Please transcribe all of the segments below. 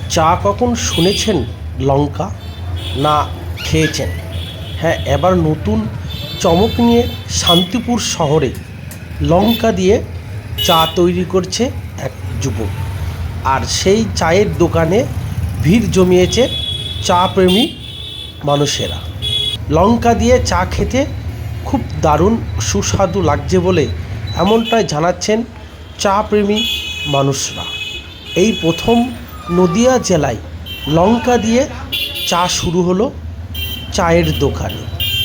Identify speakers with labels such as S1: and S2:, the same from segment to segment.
S1: চা কখন শুনেছেন লঙ্কা না খেয়েছেন? হ্যাঁ, এবার নতুন চমক নিয়ে শান্তিপুর শহরে লঙ্কা দিয়ে চা তৈরি করছে এক যুবক। আর সেই চায়ের দোকানে ভিড় জমিয়েছে চা প্রেমী মানুষেরা। লঙ্কা দিয়ে চা খেতে খুব দারুণ সুস্বাদু লাগছে বলে এমনটাই জানাচ্ছেন চা প্রেমী মানুষরা। এই প্রথম নদিয়া জেলায় লঙ্কা দিয়ে চা শুরু হলো চায়ের দোকানে।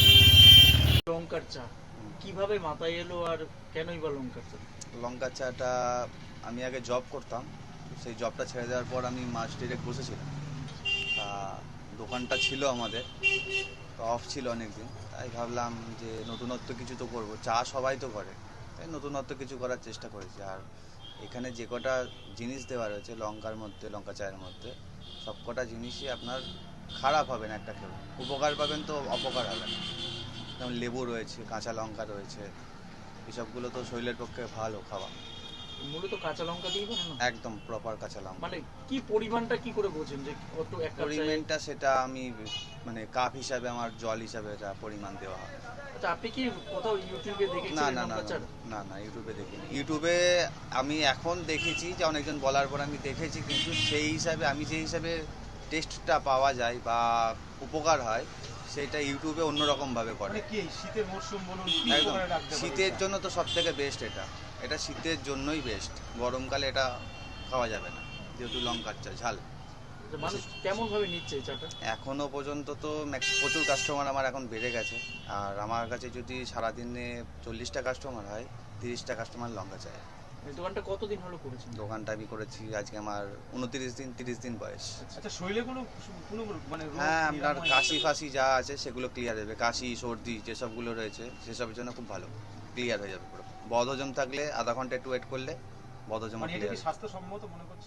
S2: লঙ্কার চা কিভাবে মাথায় এলো আর কেনই বা লঙ্কার চা?
S3: লঙ্কা চাটা আমি আগে জব করতাম, সেই জবটা ছেড়ে দেওয়ার পর আমি মাস ডিরেক্ট বসেছিলাম। তা দোকানটা ছিল আমাদের, তো অফ ছিল অনেক দিন, তাই ভাবলাম যে নতুনত্ব কিছু তো করবো, চা সবাই তো করে, তাই নতুনত্ব কিছু করার চেষ্টা করেছি। আর এখানে যে কটা জিনিস দেওয়া রয়েছে লঙ্কার মধ্যে, লঙ্কা চায়ের মধ্যে সব কটা জিনিসই আপনার খারাপ হবে না, একটা খেয়ে উপকার পাবেন তো অপকার হবে না। যেমন লেবু রয়েছে, কাঁচা লঙ্কা রয়েছে, এসবগুলো তো শরীরের পক্ষে ভালো খাওয়া।
S2: মূলত কাঁচা লঙ্কা দিয়ে বানানো?
S3: একদম প্রপার কাঁচা লঙ্কা।
S2: মানে কি পরিমাণটা কি করে বোঝেন যে কত এক কাপ চায়ে?
S3: পরিমাণটা সেটা আমি মানে কাপ হিসাবে, আমার জল হিসাবে এটা পরিমাণ দেওয়া হয়।
S2: আচ্ছা, আপনি কি কোথাও ইউটিউবে
S3: না
S2: দেখেছিলেন
S3: না না
S2: লঙ্কার চা?
S3: না না, ইউটিউবে দেখিনি। ইউটিউবে আমি এখন দেখেছি যে অনেকজন বলার পর আমি দেখেছি, কিন্তু সেই হিসাবে আমি যে হিসাবে টেস্টটা পাওয়া যায় বা উপকার হয় সেটা ইউটিউবে অন্যরকমভাবে করে।
S2: কি শীতের মরশুম বলুন,
S3: একদম শীতের জন্য তো সব থেকে বেস্ট এটা, এটা শীতের জন্যই বেস্ট। গরমকালে এটা খাওয়া যাবে না, যেহেতু লঙ্কার চা ঝাল।
S2: মানুষ কেমন ভাবে নিচ্ছে এই চাটা?
S3: এখনও পর্যন্ত তো প্রচুর কাস্টমার আমার এখন বেড়ে গেছে। আর আমার কাছে যদি সারাদিনে 40টা কাস্টমার হয়, 30টা কাস্টমার লঙ্কা চায়।
S2: এই দোকানটা কতদিন হলো করেছেন?
S3: দোকানটা আমি করেছি আজকে আমার 30 দিন বয়স।
S2: আচ্ছা, শরীরে কোনো কোনো মানে রোগ
S3: হ্যাঁ,
S2: নিরাময়
S3: আপনার কাশি ফাশি যা আছে সেগুলো ক্লিয়ার হবে। কাশি সর্দি যেসবগুলো রয়েছে সেসবের জন্য খুব ভালো, ক্লিয়ার হয়ে যাবে পুরো। বদহজম থাকলে আধা ঘন্টা একটু ওয়েট করলে বদহজম
S2: মানে এটা
S3: ক্লিয়ার।
S2: কি স্বাস্থ্যসম্মত মনে করছো?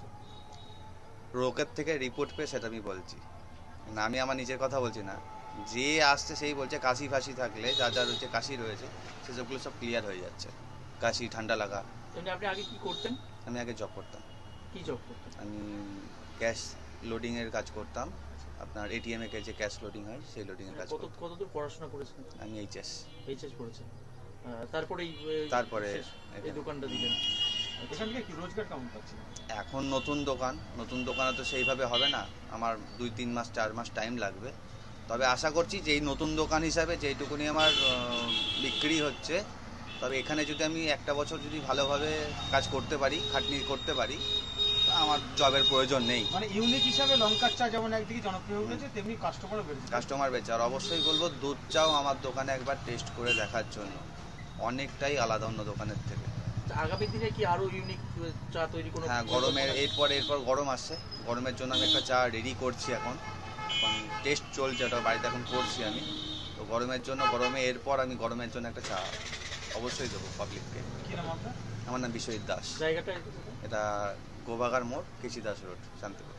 S3: রোগের থেকে রিপোর্ট পেয়ে সেটা আমি বলছি না, আমি আমার নিজের কথা বলছি না। যে আসছে সেই বলছে কাশি ফাশি থাকলে, যা যা রয়েছে কাশি রয়েছে সেসবগুলো সব ক্লিয়ার হয়ে যাচ্ছে। কাশি ঠান্ডা লাগা।
S2: এমনি আপনি আগে কি করতেন?
S3: আমি আগে জব করতাম।
S2: কি জব করতেন?
S3: আমি ক্যাশ লোডিংয়ের কাজ করতাম। আপনার এটিএমে যে ক্যাশ লোডিং হয় সেই লোডিংয়ের কাজ করতাম।
S2: কতদূর পড়াশোনা করেছেন?
S3: আমি এইচএস।
S2: এইচএস পড়েছেন, তারপরে
S3: তারপরে
S2: এই দোকানটা দিলেন। এখান থেকে কি রোজগার কেমন পাচ্ছেন?
S3: এখন নতুন দোকানে তো সেইভাবে হবে না, আমার 2-3 মাস 4 মাস টাইম লাগবে। তবে আশা করছি যে এই নতুন দোকান হিসাবে যেইটুকুনি আমার বিক্রি হচ্ছে, তবে এখানে যদি আমি একটা বছর যদি ভালোভাবে কাজ করতে পারি, খাটনি করতে পারি, আমার জবের প্রয়োজন নেই।
S2: মানে ইউনিক হিসাবে লঙ্কার চা যেমন একদিকে জনপ্রিয় হয়েছে, তেমনি কাস্টমারও বেড়েছে।
S3: কাস্টমার বেচে। আর অবশ্যই বলবো দুধ চাও আমার দোকানে একবার টেস্ট করে দেখার জন্য, অনেকটাই আলাদা অন্য দোকানের থেকে।
S2: আগামী দিনে কি আরো ইউনিক চা তৈরি কোনো?
S3: হ্যাঁ, গরমের এরপর গরম আসছে, গরমের জন্য আমি একটা চা রেডি করছি এখন টেস্ট চলছে, ওটা বাড়িতে এখন করছি আমি। তো গরমের জন্য এরপর আমি গরমের জন্য একটা চা অবশ্যই দেবো পাবলিককে।
S2: কি নাম আপনার?
S3: আমার নাম বিশ্বজিৎ দাস।
S2: জায়গাটা
S3: এটা গোবাগার মোড়, কেশি দাস রোড, শান্তিপুর।